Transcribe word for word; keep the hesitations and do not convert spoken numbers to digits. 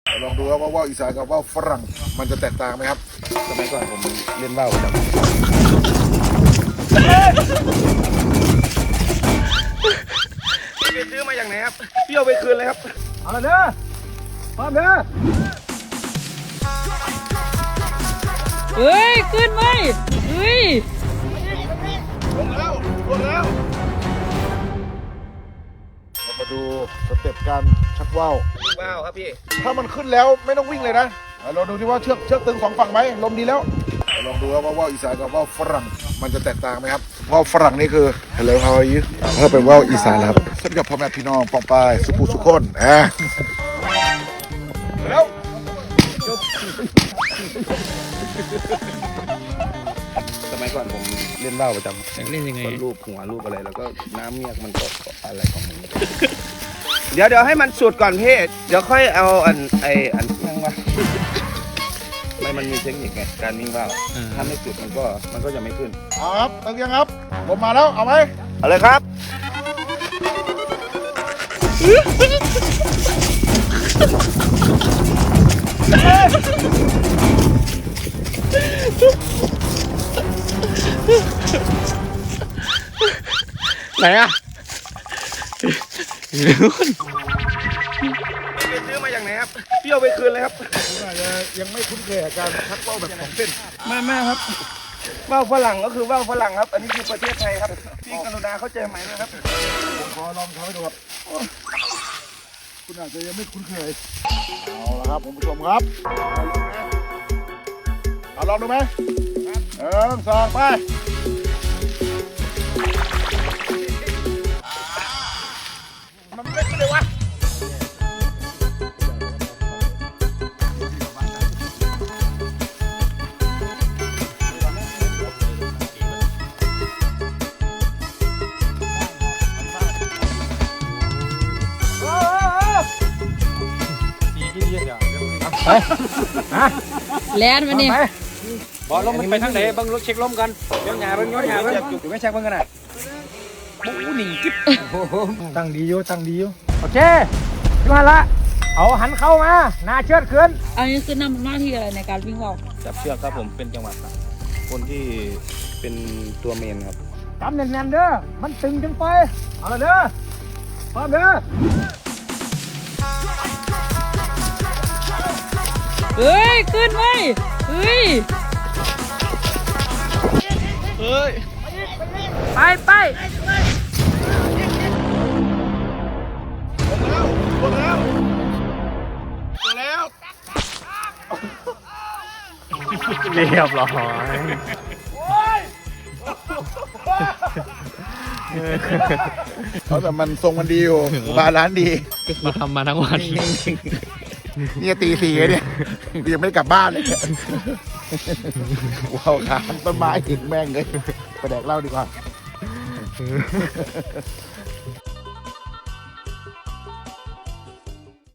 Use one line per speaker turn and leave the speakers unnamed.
ลองดูครับว่าว่าวอีสานกับว่าวฝรั่งมันจะแตกต่างไหมครับสมัยก่อนผมเล่นว่าวประจำ
พี่ซื้อมาอย่างไหนครับพี่เอาไปคืนเลยครับเอาละเด้อพร้อมเด้อ
เฮ้ยขึ้นไหมเฮ้ย
ลงแล้วลงแล้วเรามาดูสเต็ปการชักว่าว
ว้าวครับพี่
ถ้ามันขึ้นแล้วไม่ต้องวิ่งเลยนะเราดูที่ว่าเชือกเชือกตึงสองฝั่งไหมลมดีแล้วลองดูครับว่าว่าวอีสานกับว่าวฝรั่งมันจะแตกต่างไหมครับว่าวฝรั่งนี่คือ Hello how are you ถ้าเป็นว่าวอีสานครับสวัสดีครับพ่อแม่พี่น้องปองปายสุภูสุคนอ่ะแล้วสมัยก่อนผมเล่นว่าวประจำ
เล่นยังไง
รูปหัวรูปอะไรแล้วก็น้ำเมียกมันก็อะไรของมัน
เดี๋ยวเดี๋ยวให้มันสุดก่อนพี่เดี๋ยวค่อยเอาอันไออันนั่งวะ
ไม่มันมีเทคนิคไงการวิ่งว่าวถ้าไม่สุดมันก็มันก็จะไม่ขึ้นครับตึงยังครับผมมาแล้วเอาไหม
เอาเลยครับ
ไหนอ่ะ
พี่ซื้อมาอย่างไหนครับพี่เอาไปคืนเลยครับ
ผมอาจจะยังไม่คุ้นเคยกับการชักว่าวแบบสองเส้น
ไม่ไม่ครับว่าวฝรั่งก็คือว่าวฝรั่งครับอันนี้คือประเทศไทยครับพี่กรุณาเข้าใจไหมนะครับ
ผมขอลองทำให้ดูครับคุณอาจจะยังไม่คุ้นเคยเอาละครับคุณผู้ชมครับเอาลองดูไหมเออสองไปมันไม่ขึ้นเลยวะ
แลนมาเนี่ย
บอลลมมันไปทางไหนบังรถเช็คลมกันเดี๋ยวหยาเบิ้งย้อนหยาเบิ้งอยู่ไม่เช็คเบิ้งกันนะปูหนิ่งกิ๊บตั้งดีอยู่ตั้งดีอยู่โอเคยูฮันละเอาหันเข้ามาหน้าเชือดขึ้น
อันนี้คือนำหน้าที่อะไรในการวิ่งว่าว
จับเชือกครับผมเป็นจังหวะครับคนที่เป็นตัวเมนครับ
จำแน่นๆเด้อมันตึงจังไปเอาละเด้อพร้อมเด้อ
เฮ้ยขึ้นไหมเฮ้ย
เฮ้ย
ไปไป
ลงแล้วลงแล้ว
เรียบร้อย
เขาแต่มันทรงมันดีอยู่บาลานซ์ดี
มาทำมาทั้งวัน
นี่ตีสี่เนี่ยยังไม่ได้กลับบ้านเลยว้าวขาต้นไม้ถึงแม่งเลยไปแดกเหล้าดีกว่า